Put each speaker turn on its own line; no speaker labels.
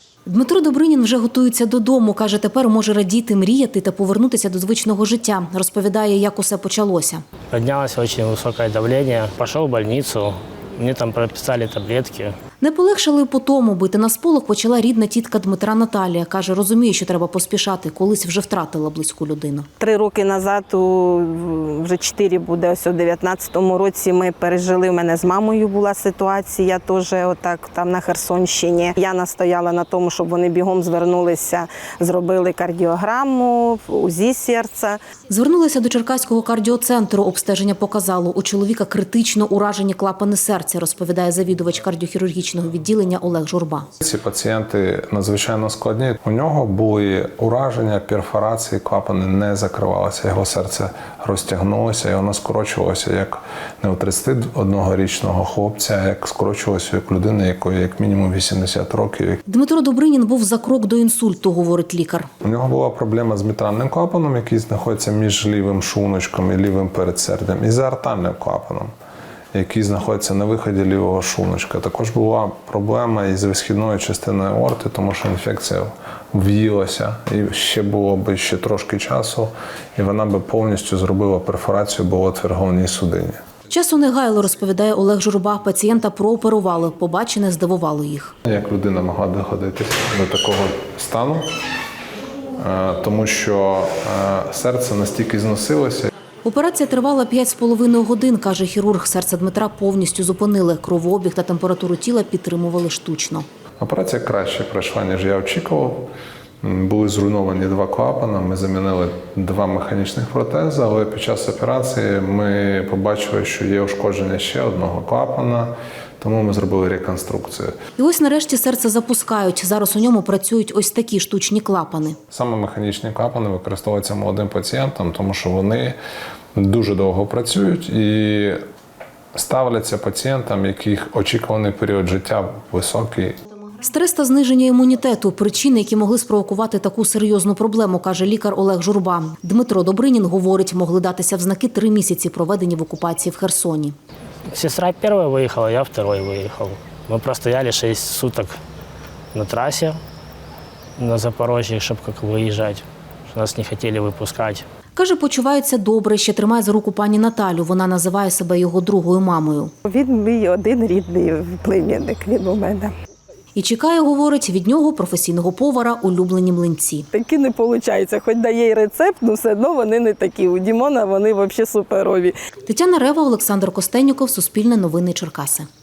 Дмитро Добринін вже готується додому. Каже, тепер може радіти, мріяти та повернутися до звичного життя. Розповідає, як усе почалося.
Піднялося дуже високе давлення, пішов в лікарню, мені там прописали таблетки.
Не полегшали по тому. Бити на сполох почала рідна тітка Дмитра Наталія. Каже, розуміє, що треба поспішати. Колись вже втратила близьку людину.
3 роки назад, вже 4 буде, ось у 19-му році ми пережили, у мене з мамою була ситуація, теж отак там на Херсонщині. Я настояла на тому, щоб вони бігом звернулися, зробили кардіограму, УЗІ серця.
Звернулися до Черкаського кардіоцентру. Обстеження показало, у чоловіка критично уражені клапани серця, розповідає завідувач кардіохірургічного відділення Олег Журба.
Ці пацієнти надзвичайно складні. У нього були ураження, перфорації, клапани не закривалися. Його серце розтягнулося і воно скорочувалося як не у 31-річного хлопця, а як скорочувалося як людини, якої як мінімум 80 років.
Дмитро Добринін був за крок до інсульту, говорить лікар.
У нього була проблема з мітральним клапаном, який знаходиться між лівим шлуночком і лівим передсердям, і з аортальним клапаном, який знаходиться на виході лівого шлуночка. Також була проблема із висхідною частиною аорти, тому що інфекція в'їлася, і ще було б ще трошки часу, і вона б повністю зробила перфорацію, бо отвір в головній судині.
Часу не гайло, розповідає Олег Журба. Пацієнта прооперували. Побачене здивувало їх.
Як людина могла доходити до такого стану, тому що серце настільки зносилося.
Операція тривала 5,5 годин, каже хірург. Серце Дмитра повністю зупинили. Кровообіг та температуру тіла підтримували штучно.
Операція краще пройшла, ніж я очікував. Були зруйновані 2 клапани, ми замінили 2 механічних протези, але під час операції ми побачили, що є ушкодження ще одного клапана, тому ми зробили реконструкцію.
І ось нарешті серце запускають. Зараз у ньому працюють ось такі штучні клапани.
Саме механічні клапани використовуються молодим пацієнтам, тому що вони дуже довго працюють і ставляться пацієнтам, яких очікуваний період життя високий.
Стрес та зниження імунітету – причини, які могли спровокувати таку серйозну проблему, каже лікар Олег Журба. Дмитро Добринін говорить, могли датися в знаки 3 місяці, проведені в окупації в Херсоні.
Сестра перша виїхала, я второй виїхав. Ми простояли 6 суток на трасі на Запорожжі, щоб виїжджати. Нас не хотіли випускати.
Каже, почувається добре, ще тримає за руку пані Наталю. Вона називає себе його другою мамою.
Він мій один рідний племінник, він у мене.
І чекає, говорить, від нього, професійного повара, улюблені млинці.
Такі не виходить, хоч дає й рецепт, але все одно вони не такі. У Дімона вони взагалі суперові.
Тетяна Рева, Олександр Костенюков, Суспільне новини Черкаси.